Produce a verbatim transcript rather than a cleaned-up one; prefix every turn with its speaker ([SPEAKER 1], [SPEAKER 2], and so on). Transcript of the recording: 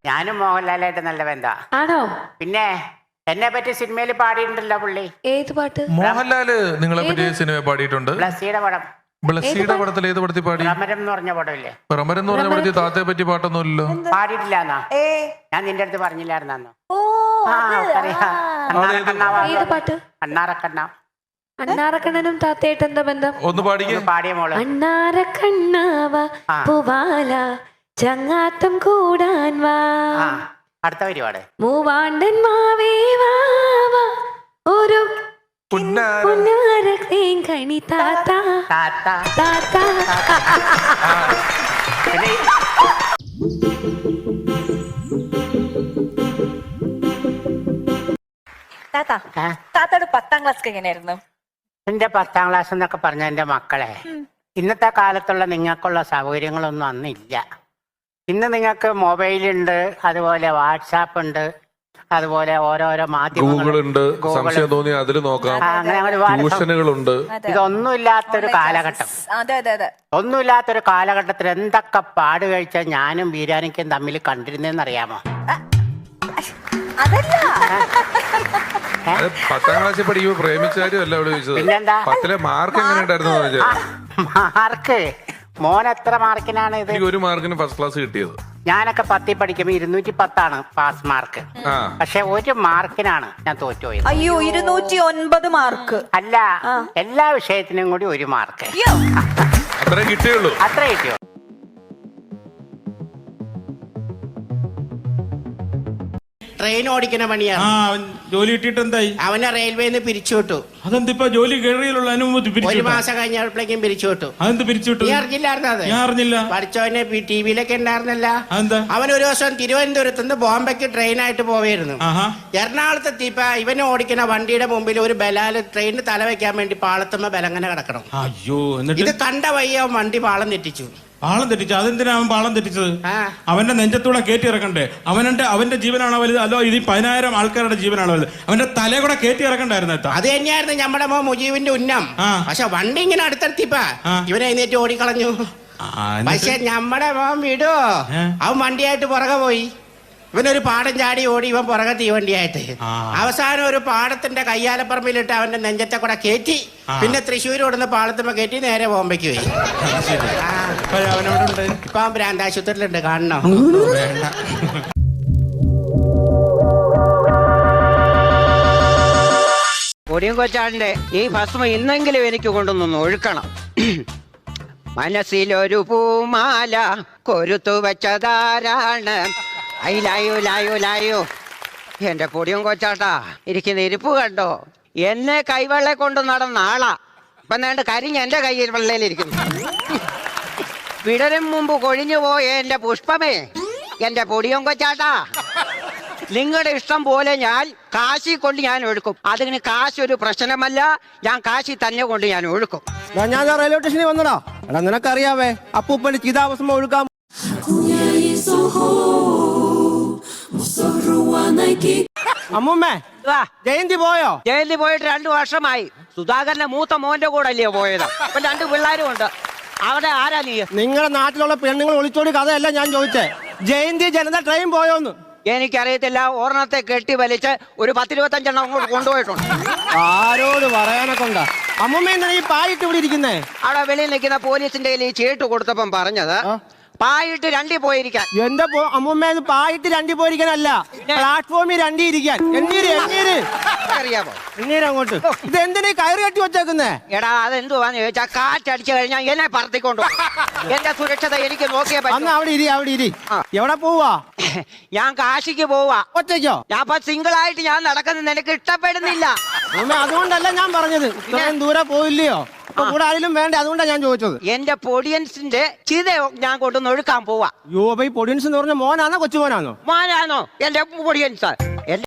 [SPEAKER 1] ഞാനും മോഹൻലാലായിട്ട് നല്ല ബന്ധാ.
[SPEAKER 2] ആണോ?
[SPEAKER 1] പിന്നെ എന്നെ പറ്റി സിനിമയിൽ പാടിയിട്ടുണ്ടല്ലോ പുള്ളി.
[SPEAKER 2] ഏത് പാട്ട്?
[SPEAKER 3] മോഹൻലാല് നിങ്ങളെ പറ്റി സിനിമ പാടിയിട്ടുണ്ട്.
[SPEAKER 1] ബ്ലസ്സിയുടെ പടം.
[SPEAKER 3] ബ്ലസ്സിയുടെ പടത്തിൽ ഏത് പടത്തിൽ പാടി?
[SPEAKER 1] ഭ്രമരം എന്ന് പറഞ്ഞ പടമില്ലേ?
[SPEAKER 3] ഭ്രമരം എന്ന് പറഞ്ഞ പടത്തിൽ താത്തയെ പറ്റി പാട്ടൊന്നുമില്ലല്ലോ.
[SPEAKER 1] പാടിയിട്ടില്ല എന്നാ? ഞാൻ നിന്റെ അടുത്ത് പറഞ്ഞില്ലായിരുന്നോ?
[SPEAKER 2] ഏത് പാട്ട്?
[SPEAKER 1] അണ്ണാറക്കണ്ണ.
[SPEAKER 2] അണ്ണാറക്കണ്ണനും താത്തയായിട്ട് എന്താ ബന്ധം?
[SPEAKER 3] ഒന്ന് പാടിക്കേ.
[SPEAKER 1] പാടിയ മോള്.
[SPEAKER 2] അണ്ണാറക്കണ്ണാവ പൂവാല ചങ്ങാത്തം കൂടാൻ വാ.
[SPEAKER 1] അടുത്ത പരിപാടി.
[SPEAKER 2] മൂവാണ്ടൻ മാവേ വാവ ഒരു കണി താത്ത
[SPEAKER 1] താത്ത
[SPEAKER 2] താത്ത.
[SPEAKER 4] താത്തയുടെ പത്താം ക്ലാസ് എങ്ങനെയായിരുന്നു?
[SPEAKER 1] എന്റെ പത്താം ക്ലാസ് എന്നൊക്കെ പറഞ്ഞ എന്റെ മക്കളെ, ഇന്നത്തെ കാലത്തുള്ള നിങ്ങൾക്കുള്ള സൗകര്യങ്ങളൊന്നും അന്നില്ല. ഇന്ന് നിങ്ങൾക്ക് മൊബൈലുണ്ട്, അതുപോലെ വാട്സാപ്പ് ഉണ്ട്, അതുപോലെ ഓരോരോ
[SPEAKER 3] മാധ്യമങ്ങളുണ്ട്, സംശയം തോന്നി അതിൽ നോക്കാം,
[SPEAKER 1] അങ്ങനെ ഒരുപാട്
[SPEAKER 3] ട്യൂഷനുകളുണ്ട്.
[SPEAKER 1] ഇതൊന്നുമില്ലാത്തൊരു കാലഘട്ടം. ഒന്നുമില്ലാത്തൊരു കാലഘട്ടത്തിൽ എന്തൊക്കെ പാട് കഴിച്ചാൽ ഞാനും ബീരാനിക്കും തമ്മിൽ കണ്ടിരുന്നേന്ന് അറിയാമോ?
[SPEAKER 3] പത്താം ക്ലാസ്സിൽ പഠിക്കുമ്പോ പ്രേമിച്ചാരും അല്ല അവിടെ ചോദിച്ചത്.
[SPEAKER 1] പിന്നെന്താ?
[SPEAKER 3] പത്തിലെ മാർക്ക് എങ്ങനെ ഉണ്ടായിരുന്നു?
[SPEAKER 1] മാർക്ക് മോൻ എത്ര മാർക്കിനാണ് ഇത്?
[SPEAKER 3] ഒരു മാർക്കിന് ഫസ്റ്റ് ക്ലാസ് കിട്ടിയത്.
[SPEAKER 1] ഞാനൊക്കെ പത്തിൽ പഠിക്കുമ്പോ ഇരുന്നൂറ്റി പത്താണ് പാസ് മാർക്ക്. പക്ഷെ ഒരു മാർക്കിനാണ് ഞാൻ തോറ്റുപോയത്.
[SPEAKER 4] അയ്യോ, ഇരുന്നൂറ്റി ഒൻപത് മാർക്ക്.
[SPEAKER 1] അല്ല, എല്ലാ വിഷയത്തിനും കൂടി ഒരു മാർക്ക്.
[SPEAKER 3] അത്രേ കിട്ടിയുള്ളൂ.
[SPEAKER 1] അത്രേ കിട്ടിയോ? ട്രെയിൻ ഓടിക്കുന്ന പണിയാണ്.
[SPEAKER 5] ജോലി കിട്ടിയിട്ട് എന്തായി?
[SPEAKER 1] അവനെ റെയിൽവേന്ന് പിരിച്ചു വിട്ടു.
[SPEAKER 5] അതെന്തിപ്പോ ജോലി കയറിയുള്ള അനുമതി?
[SPEAKER 1] ഒരു മാസം കഴിഞ്ഞപ്പോഴേക്കും പിരിച്ചു വിട്ടു.
[SPEAKER 5] അതെന്ത് പിരിച്ചു വിട്ടു?
[SPEAKER 1] നീ അറിഞ്ഞില്ലായിരുന്നു? അത്
[SPEAKER 5] ഞാൻ അറിഞ്ഞില്ല.
[SPEAKER 1] പഠിച്ചവനെ ടി വിയിലൊക്കെ ഉണ്ടായിരുന്നല്ല.
[SPEAKER 5] അതെന്താ?
[SPEAKER 1] അവൻ ഒരു ദിവസം തിരുവനന്തപുരത്ത് നിന്ന് ബോംബെക്ക് ട്രെയിനായിട്ട് പോവായിരുന്നു. എറണാകുളത്ത് എത്തിയപ്പോ ഇവനെ ഓടിക്കുന്ന വണ്ടിയുടെ മുമ്പിൽ ഒരു ബലാല് ട്രെയിനിന് തല വെക്കാൻ വേണ്ടി പാളത്തുമ്പോ ബലങ്ങനെ കിടക്കണം.
[SPEAKER 5] അയ്യോ, എന്നിട്ട്
[SPEAKER 1] ഇത് കണ്ട വയ്യ വണ്ടി പാളം തെറ്റിച്ചു.
[SPEAKER 5] പാളം തെറ്റിച്ചു? അതെന്തിനാ അവൻ പാളം തെറ്റിച്ചത്? അവന്റെ നെഞ്ചത്തൂടെ കയറ്റി ഇറക്കണ്ടേ? അവന്റെ അവന്റെ ജീവനാണോ വലുത്, അല്ലോ ഇത് പതിനായിരം ആൾക്കാരുടെ ജീവനാണോ വലുത്? അവന്റെ തലയെ കൂടെ കയറ്റി ഇറക്കണ്ടായിരുന്നു.
[SPEAKER 1] അത് തന്നെയായിരുന്നു നമ്മുടെ മോ മുജീബിന്റെ ഉന്നം. പക്ഷെ വണ്ടി ഇങ്ങനെ അടുത്തെത്തിപ്പാ ഇവനെ എഴുന്നേറ്റ് ഓടിക്കളഞ്ഞു. പക്ഷെ നമ്മുടെ മോൻ വിടോ, അവൻ വണ്ടിയായിട്ട് പുറകെ പോയി. ഇവനൊരു പാടം ചാടി ഓടി, ഇവൻ പുറകെ തീവണ്ടിയായിട്ട്. അവസാനം ഒരു പാടത്തിന്റെ കയ്യാലപ്പറമ്പിലിട്ട് അവന്റെ നെഞ്ചത്തെ കൂടെ കയറ്റി. പിന്നെ തൃശ്ശൂർ ഓടുന്ന പാളത്തുമ്പോ കയറ്റി നേരെ ബോംബെക്ക് പോയി. ഇപ്പൊ അവൻ ഭ്രാന്താശുപത്രിയിലുണ്ട്, കാണണോ?
[SPEAKER 6] പൊടിയും കൊച്ചാടിന്റെ ഈ ഭസ്മം ഇന്നെങ്കിലും എനിക്ക് കൊണ്ടുവന്നൊന്ന് ഒഴുക്കണം. മനസ്സിലൊരു പൂമാല കൊരുത്തു വെച്ചതാരാണ്? അയിലായോ ലായോ ലായോ. എന്റെ പൊടിയും കൊച്ചാട്ടാ ഇരിക്കുന്ന ഇരിപ്പ് കണ്ടോ? എന്നെ കൈവെള്ള കൊണ്ട് നടന്ന ആളാ. ഇപ്പൊ നേണ്ട കരിഞ്ഞ് എന്റെ കയ്യിൽ വെള്ളയിലിരിക്കുന്നു. വിടരും മുമ്പ് കൊഴിഞ്ഞു പോയ എന്റെ പുഷ്പമേ, എന്റെ പൊടിയും കൊച്ചാട്ടാ, നിങ്ങളുടെ ഇഷ്ടം പോലെ ഞാൻ കാശി കൊണ്ട് ഞാൻ ഒഴുക്കും. അതിന് കാശ് ഒരു പ്രശ്നമല്ല. ഞാൻ കാശി തന്നെ കൊണ്ട് ഞാൻ ഒഴുക്കും.
[SPEAKER 7] ഞാൻ റെയിൽവേ സ്റ്റേഷനിൽ വന്നടാ. എടാ നിനക്കറിയാവേ അപ്പൂപ്പന്റെ ചിതാഭസ്മം ഒഴുക്കാം. അമ്മൂമ്മേ, ജയന്തി പോയോ?
[SPEAKER 6] ജയന്തി പോയിട്ട് രണ്ടു വർഷമായി. സുധാകരന്റെ മൂത്ത മോന്റെ കൂടെ അല്ലയോ പോയത്? അപ്പൊ രണ്ട് പിള്ളേരും ഉണ്ട്. അവിടെ ആരാ നീ?
[SPEAKER 7] നിങ്ങളുടെ നാട്ടിലുള്ള പെണ്ണുങ്ങൾ ഒളിച്ചോടി കഥയല്ല ഞാൻ ചോദിച്ചേ. ജയന്തി ജനത ട്രെയിൻ പോയോന്ന്?
[SPEAKER 6] എനിക്കറിയത്തില്ല. ഓർണത്തെ കെട്ടി വലിച്ച് ഒരു പത്തിരുപത്തഞ്ചെണ്ണം അങ്ങോട്ട് കൊണ്ടുപോയിട്ടുണ്ട്.
[SPEAKER 7] ആരോട് പറയാനൊക്കെ ഉണ്ടാ? അമ്മൂമ്മ എന്താണ് ഈ പായിട്ട് ഇവിടെ ഇരിക്കുന്നേ? അവിടെ
[SPEAKER 6] വെളിയിൽ നിൽക്കുന്ന പോലീസിന്റെ ഈ ചീട്ട് കൊടുത്തപ്പം പറഞ്ഞത് പായിട്ട് രണ്ടി പോയിരിക്കാൻ.
[SPEAKER 7] എന്റെ അമ്മൂമ്മ പായിട്ട് രണ്ടി പോയിരിക്കാനല്ല, പ്ലാറ്റ്ഫോമിൽ രണ്ടി ഇരിക്കാൻ. എണ്ണീര് എണ്ണീര്
[SPEAKER 6] അറിയാമോ?
[SPEAKER 7] എണ്ണീര് അങ്ങോട്ട്. ഇത് എന്തിനാ കയറി കെട്ടി വെച്ചേക്കുന്നേ?
[SPEAKER 6] എടാ അതെന്തുവാന്ന് ചോദിച്ചാ കാറ്റടിച്ചു കഴിഞ്ഞാൽ എന്നെ പറത്തിക്കൊണ്ടു. എന്റെ സുരക്ഷത എനിക്ക് നോക്കിയേ പറ്റും.
[SPEAKER 7] അവിടെ ഇരി അവിടെ ഇരി. എവിടെ പോവാ?
[SPEAKER 6] ഞാൻ കാശിക്ക് പോവാ.
[SPEAKER 7] ഒറ്റയ്ക്കോ?
[SPEAKER 6] ഞാൻ ഇപ്പൊ സിംഗിൾ ആയിട്ട് ഞാൻ നടക്കുന്നത് നിനക്ക് ഇഷ്ടപ്പെടുന്നില്ല.
[SPEAKER 7] അതുകൊണ്ടല്ല ഞാൻ പറഞ്ഞത്. ഇത്രയും ദൂരെ പോയില്ലയോ? കൂടെ ആരെങ്കിലും വേണ്ടേ? അതുകൊണ്ടാണ് ഞാൻ ചോദിച്ചത്.
[SPEAKER 6] എന്റെ പൊടിയൻസിന്റെ ചിത ഞാൻ കൊണ്ടുവന്ന് ഒഴുക്കാൻ പോവാ.
[SPEAKER 7] യോ, ഈ പൊടിയൻസ് എന്ന് പറഞ്ഞ മോനാണോ കൊച്ചുമോനാണോ?
[SPEAKER 6] മോനാണോ എന്റെ പൊടിയൻസ്?